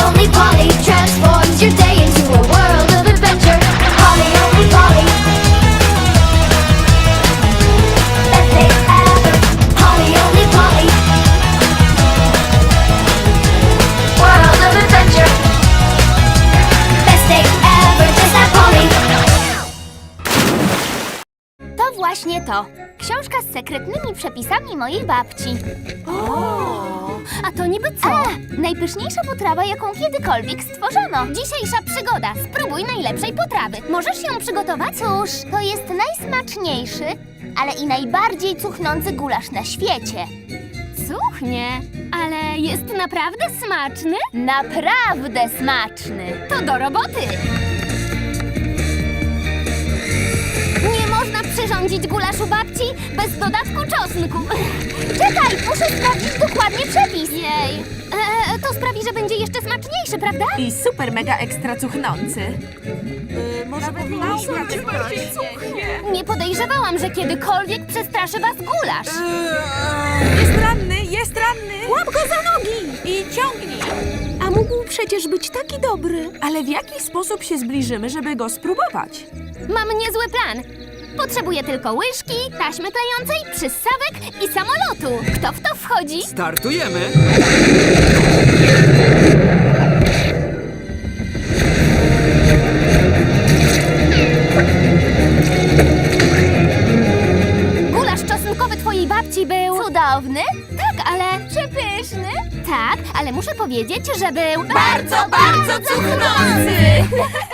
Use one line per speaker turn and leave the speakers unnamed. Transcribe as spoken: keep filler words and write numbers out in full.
Only Polly transforms your day into a world of adventure. Polly Only Polly. Best day ever. Polly Only Polly. World of adventure. Best day ever. Just like Polly.
To właśnie to. Książka z sekretnymi przepisami mojej babci. O, a to niby co? A, najpyszniejsza potrawa, jaką kiedykolwiek stworzono. Dzisiejsza przygoda. Spróbuj najlepszej potrawy. Możesz ją przygotować? Cóż, to jest najsmaczniejszy, ale i najbardziej cuchnący gulasz na świecie. Cuchnie, ale jest naprawdę smaczny? Naprawdę smaczny. To do roboty. Nie można przyrządzić gulaszu babci bez dodatku czosnku. Czekaj, muszę sprawdzić dokładnie przepis. Jej, e, to sprawi, że będzie jeszcze smaczniejszy, prawda?
I super mega ekstra cuchnący. Yy, może powinniśmy
Nie podejrzewałam, że kiedykolwiek przestraszy was gulasz.
Jest ranny, jest ranny! Łap go za nogi i ciągnij! A mógł przecież być taki dobry. Ale w jaki sposób się zbliżymy, żeby go spróbować?
Mam niezły plan. Potrzebuję tylko łyżki, taśmy klejącej, przyssawek i samolotu. Kto w to wchodzi?
Startujemy!
Gulasz czosnkowy twojej babci był... Cudowny? Tak, ale... Przepyszny? Tak, ale muszę powiedzieć, że był... Bardzo, bardzo cuchnący!